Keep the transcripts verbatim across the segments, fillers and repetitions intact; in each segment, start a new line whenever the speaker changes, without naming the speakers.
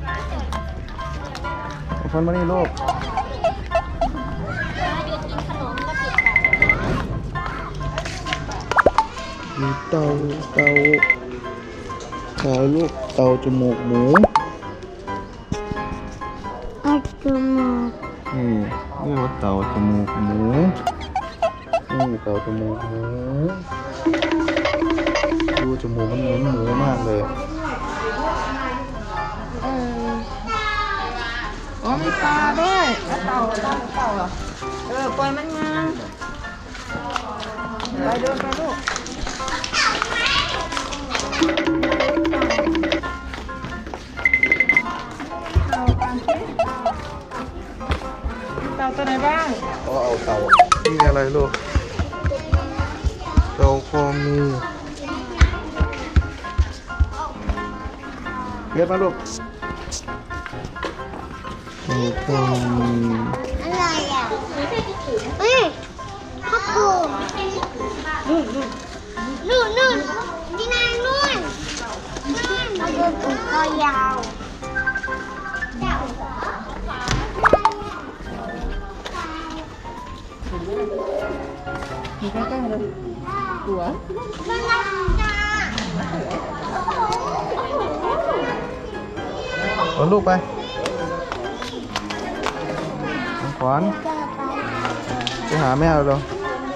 คนมานี่ลูกมีเตาเตาขาวลูกเตาจมูกหมู
เตาจมูก
นี่เรียกว่าเตาจมูกหมูนี่เตาจมูกหมูดูจมูกมันเหมือนหมูมากเลย
เอออ๋อมีปลาด้วยแล้วเต่าเต่าเต่าเหรอเออปล่อยมันมาไปเดินไปลูกเต่ากันสิเต่าตัวไหนบ้าง
ก็เอาเต่านี่อะไรลูกเต่าคองูเรียกมาลูกเต่าคองู
อะไรอ่ะเฮ้ยข้าวปูนู่นนู่นนู่นที่นายนู่นนู่นมาดูตัวคอยาว
มีใกล้ๆเลยตัว
มันรักจ้า
เอาลูกไปของขวัญไปหาแม่เราเลย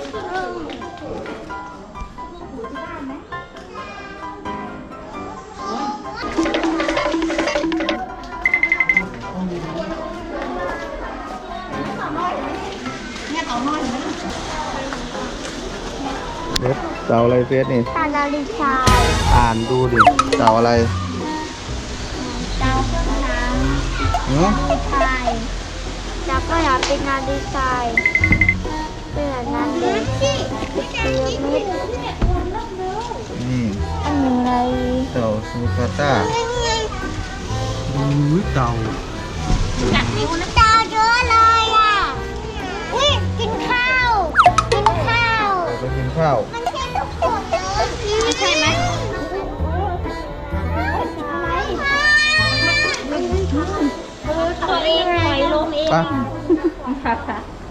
เด็ดเต่าอะไรเฟสนี่
ตาลาลิชาย
อ่านดูดิเต่าอะไร
ดาวเครื่องน้ำ
หือ
ลิชายแล้วก็อยากเป็นนาลิชายเป็นแบบนั้นเลยเป็นพีระมิด
นี่
อันนี้อะไร
เต่าซูคาต้าอุ้ยเต่า
จับนิ้วนะดาวเยอะเลยอ่ะอุ้ยกินข้าวกินข้าว
เต่าไปกินข้าว
มันใช่ทุกคนเลยไม่ใช่ไหมตัวเองปล่อยลมเอง
ไป